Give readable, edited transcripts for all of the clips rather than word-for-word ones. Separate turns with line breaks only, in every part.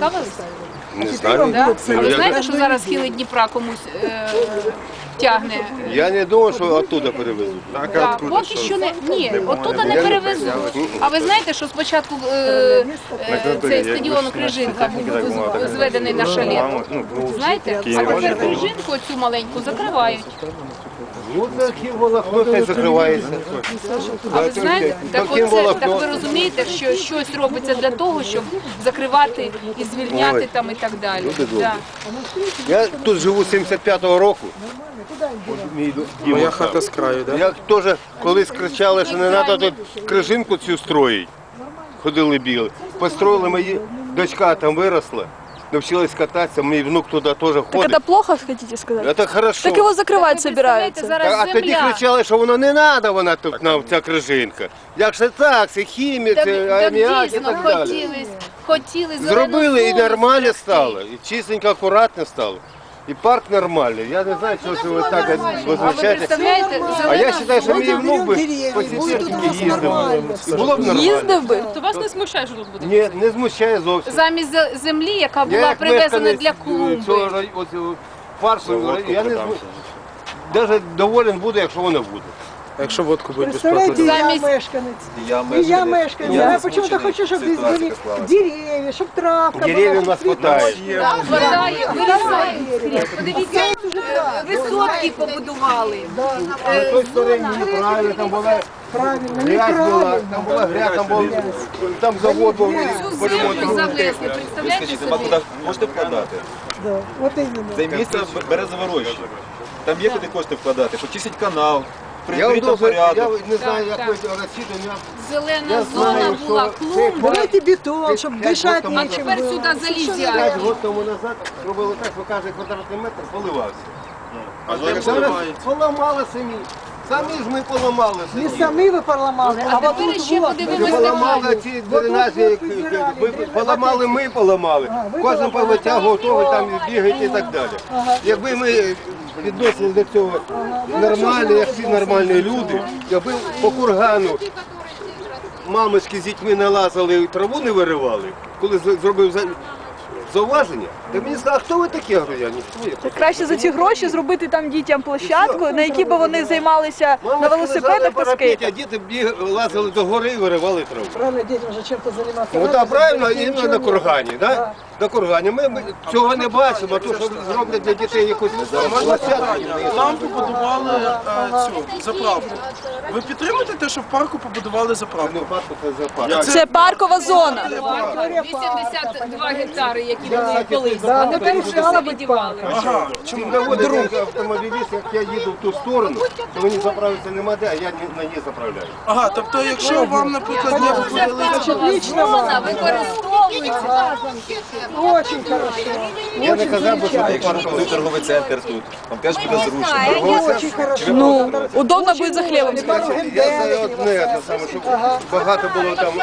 цікавились?
Не знаю.
Да? А ви знаєте, що зараз схили Дніпра комусь тягне?
Я не думав, що оттуда перевезуть.
Да, поки що не, ні, оттуда не перевезуть. А ви знаєте, що спочатку цей стадіон Крижинка був зведений на шалету? Знаєте? А тепер Крижинку цю маленьку закривають.
Ну, таким волокно хай закривається.
А ви знаєте, так ви розумієте, що щось робиться для того, щоб закривати і звільняти там і так далі. Да.
Я тут живу з 75-го року.
Моя хата з краю, так?
Я теж колись кричали, що не треба тут Крижинку цю строїть. Ходили бігли. Построїли, моя дочка там виросла, навчилась кататися, мій внук туди теж
Так
ходить.
это плохо, хотите сказать?
Це хорошо.
Так его закрывать
Так ви представляєте,
собираются.
зараз
А тоді
земля.
кричали, що воно не треба, вона тут нам, ця Крижинка. Як же так, це хімія,
Так,
це
так
аміак і
дійсно
так далі.
хотіли зелену
Зробили і
зону
нормально
сплести.
стало, і чистенько, акуратно стало. І парк нормальний. Я не знаю, чого ж ви так
А ви
возмущаєте.
представляєте,
А я
зелена
вважаю, що мій внук би
деревья,
по
будет у
сусідськи
нас
їздив.
нормально.
І було б нормально.
Їздив би?
То вас не смущає, що тут буде?
Ні, не змущає зовсім.
замість землі, яка
Я
була
як
привезена
мешканець
для клумби.
цього парку, я не навіть доволен буду, якщо воно буде.
А якщо водку будуть
Представляете,
безплатно?
я мешканец. И я мешканец. Я почему-то хочу, чтобы здесь были деревья, чтобы травка
Деревья
была.
у нас хватает.
Так, хватає, вирізають. Подивіться, висотки побудували.
На той стороні неправильно, там була
Правильно,
грязь була,
неправильно.
там була грязь, там завод був
Цю
по
землю
ремонту.
завезли, представляєте
Скажіть,
собі?
куди можете вкладати?
Да, вот именно.
Це місце березове роща. Там є куди кошти вкладати, почистить канал,
Я вам
прибити
дуже, я
порядок.
не знаю,
Так,
як
так.
ви розчитані.
Зелена
Я
зона
знаю,
була,
що
клумба.
Давайте бетон, чтобы дышать
А
А
нечем
тепер
было.
сюди залізять.
5 років тому назад робили так, що кожен квадратний метр поливався.
А
Зараз поламали самі. Самі ж ми поламали
Не
самі.
сами вы поломали, а вот
тепер
тут
ще
вот.
подивимось
Ми поламали
такі.
ці дренажі, поламали ми, поламали. Кожен повитягував того, там бігають і так далі. Якби ми відносилися до цього нормально, як всі нормальні люди, якби по кургану мамочки з дітьми не лазили і траву не виривали, коли зробив зауваження, то мені сказали, а хто ви такі? Я говорю, я ніхто. Я
Так краще за ці гроші зробити там дітям площадку, на якій би вони займалися на
Мамочки
велосипедах
лежали
та
на парапеті,
скейтах.
а діти лазили до гори і виривали траву.
Правильно, детям же чем-то заниматься.
Ну
надо,
так, правильно,
детей
і
ничего
на
нет.
кургані, так? На кургані. Ми цього не бачимо, а то, що зроблять для дітей якусь площадку.
Нам побудували цю заправку. Ви підтримуєте те, що в парку побудували заправку?
Ну, парку це за парк.
Це паркова зона.
82 гектари, які вони колись. А тепер вже все відівали.
Ага.
Чим доводить автомобіліст, як я їду в ту сторону, то мені заправитися нема де, а я на ній заправляю.
Ага, тобто якщо вам, наприклад, не виділили
Значит, лично
Зона
вам.
використовується.
Очень хорошо.
Я не казав, бо що
А
ти
якщо
парку.
буде торговий центр тут, там теж буде зручно.
Очень хорошо.
Ну, удобно буде за хлібом сходити.
Я за одне, те саме, щоб багато було там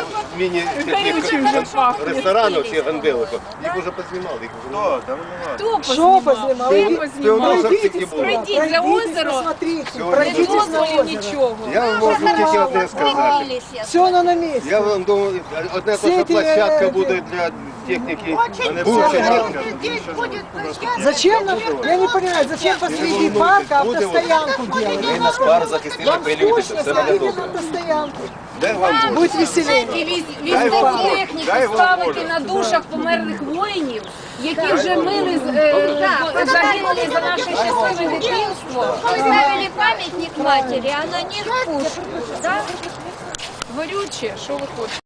міні-ресторанів, всіх ганделиків. Їх вже познімали, їх вже немає.
Хто
Что
познімав?
познімали?
Ви познімали.
Пройдіть,
Пройдіть за озеро,
посмотрите,
без
пройдитесь на
дозволів
озеро.
нічого.
Я вам можу тільки одне сказати.
Все оно на месте.
Я вам думаю, одна та площадка буде для техніки, бувша техніка.
Зачем нам, я не понимаю, зачем посреди парка автостоянку делать?
Ми нас пар захистили,
Вам
пилювати,
скучно,
все буде
ставите
добре.
автостоянку.
Дай вам Боже.
Будет веселее.
І військову техніку ставити на душах померлих воїнів, які вже мили загинули за наше щасливе дитинство.
Вы ставили памятник матери, она не в пушку, да?
Горюче, що ви хочете?